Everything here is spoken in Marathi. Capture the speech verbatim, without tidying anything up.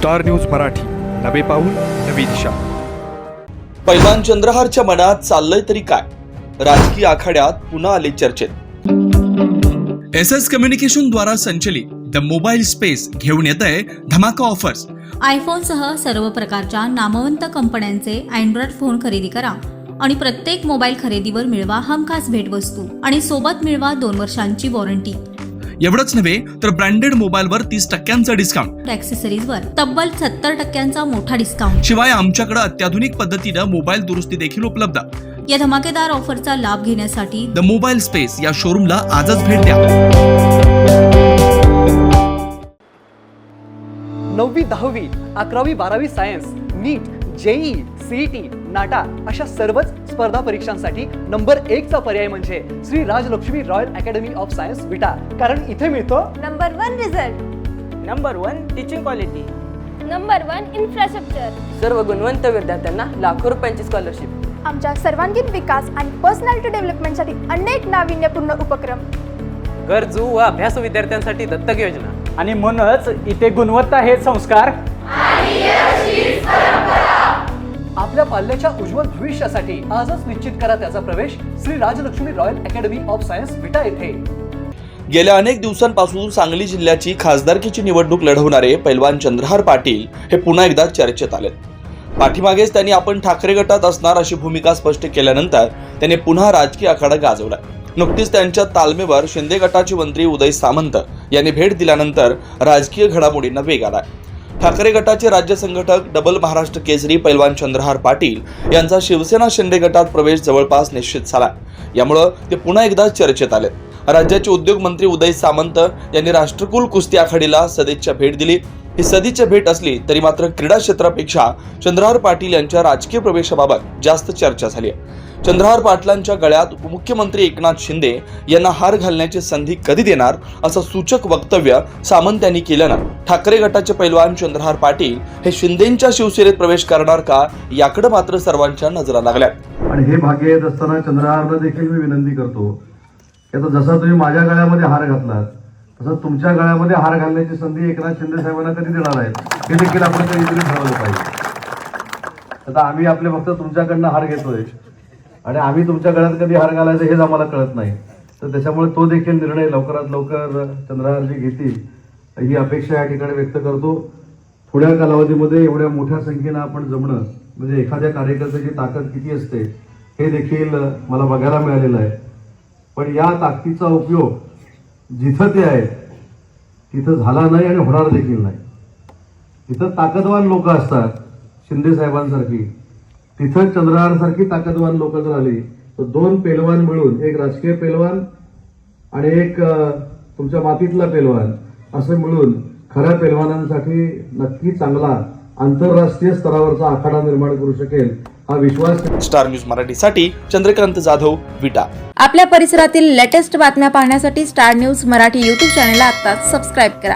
स्टार न्यूज मराठी, नवे पाऊल नवी दिशा। पैलवान चंद्रहारच्या मनात चाललंय तरी काय? राजकीय आखाड्यात पुन्हा आले चर्चेत। एस एस कम्युनिकेशन द्वारा संचलित द मोबाईल स्पेस घेऊन येत आहे धमाका ऑफर्स। आयफोनसह सर्व प्रकारच्या नामवंत कंपन्यांचे अँड्रॉइड फोन खरेदी करा आणि प्रत्येक मोबाईल खरेदीवर मिळवा हमखास भेटवस्तू आणि सोबत मिळवा दोन वर्षांची वॉरंटी। एवढंच नव्हे तर ब्रँडेड मोबाईलवर तीस टक्क्यांचा डिस्काउंट, ॲक्सेसरीजवर तब्बल सत्तर टक्क्यांचा मोठा डिस्काउंट। शिवाय आमच्याकडे अत्याधुनिक पद्धतीनं मोबाईल दुरुस्ती देखील उपलब्ध। या धमाकेदार ऑफरचा लाभ घेण्यासाठी द मोबाईल स्पेस या शोरूमला आजच भेट द्या। नववी दहावी अकरावी बारावी science, NEET, JEE, CET, NATA अशा सर्वच स्पर्धा परीक्षांसाठी नंबर एक चा पर्याय म्हणजे Shri Rajlakshmi royal academy of science Vita. कारण इथे मिळतो number one result, number one teaching quality, number one infrastructure, सर्व गुणवंत विद्यार्थ्यांना लाखो रुपयांची स्कॉलरशिप। आमच्या सर्वांगीण विकास आणि पर्सनॅलिटी डेव्हलपमेंटसाठी अनेक नाविन्यपूर्ण उपक्रम, गरजू व अभ्यासू विद्यार्थ्यांसाठी दत्तक योजना, आणि म्हणूनच इथे गुणवत्ता हे संस्कार आपल्या पाल्याच्या उज्ज्वल भविष्यासाठी आजच निश्चित करा त्याचा प्रवेश Shri Rajlakshmi royal academy of science Vita येथे। गेल्या अनेक दिवसांपासून सांगली जिल्ह्याची खासदारकीची निवडणूक लढवणारे पैलवान चंद्रहार पाटील हे पुन्हा एकदा चर्चेत आलेत। पाठीमागेच त्यांनी आपण ठाकरे गटात असणार अशी भूमिका स्पष्ट केल्यानंतर त्यांनी पुन्हा राजकीय आखाडा गाजवला। नुकतीच त्यांच्या तालमेवर शिंदे गटाचे मंत्री उदय सामंत यांनी भेट दिल्यानंतर राजकीय घडामोडींना वेग आलाय। ठाकरे गटाचे राज्य संघटक डबल महाराष्ट्र केसरी पैलवान चंद्रहार पाटील यांचा शिवसेना शिंदे गटात प्रवेश जवळपास निश्चित झाला। यामुळे ते पुन्हा एकदा चर्चेत आलेत। राज्याचे उद्योग मंत्री उदय सामंत यांनी राष्ट्रकुल कुस्ती आखाडीला सदिच्छा भेट दिली। ही सदिच्छा भेट असली तरी मात्र क्रीडा क्षेत्रापेक्षा चंद्रहार पाटील यांच्या राजकीय प्रवेशाबाबत जास्त चर्चा झाली आहे। चंद्रहार पाटलांच्या गळ्यात उपमुख्यमंत्री एकनाथ शिंदे यांना हार घालण्याची संधी कधी देणार असं सूचक वक्तव्य सामंत यांनी केल्यानं ठाकरे गटाचे पैलवान चंद्रहार पाटील हे शिंदेंच्या शिवसेनेत प्रवेश करणार का याकडे मात्र सर्वांच्या नजरा लागल्यात। आणि हे भाग्य येत असताना चंद्रहारला देखील मी विनंती करतो की आता जसा तुम्ही माझ्या गळ्यामध्ये हार घातलात तसं तुमच्या गळ्यामध्ये हार घालण्याची संधी एकनाथ शिंदे साहेबांना कधी देणार आहेत हे देखील आपण कधीतरी ठरवलं पाहिजे। आता आम्ही आपले फक्त तुमच्याकडनं हार घेतोय आणि आम्ही तुमच्या गळ्यात कधी हार घालायचं हेच आम्हाला कळत नाही, तर त्याच्यामुळे तो देखील निर्णय लवकरात लवकर चंद्रहारजी घेतील ही अपेक्षा या ठिकाणी व्यक्त करतो। थोड्या कालावधीमध्ये एवढ्या मोठ्या संख्येनं आपण जमणं म्हणजे एखाद्या कार्यकर्त्याची ताकद किती असते हे देखील मला बघायला मिळालेलं आहे। पण या ताकदीचा उपयोग जिथं ते आहे तिथं झाला नाही आणि होणार देखील नाही। तिथं ताकदवान लोक असतात शिंदे साहेबांसारखी, तिथं चंद्रहार सारखी ताकदवान लोक जर आली तर दोन पेलवान मिळून, एक राजकीय पेलवान आणि एक तुमच्या मातीतला पेलवान असं मिळून खऱ्या पेलवानांसाठी नक्की चांगला आंतरराष्ट्रीय स्तरावरचा आखाडा निर्माण करू शकेल हा विश्वास। स्टार न्यूज मराठीसाठी चंद्रकांत जाधव, विटा। आपल्या परिसरातील लेटेस्ट बातम्या पाहण्यासाठी स्टार न्यूज मराठी यूट्यूब चॅनलला आत्ताच सबस्क्राईब करा।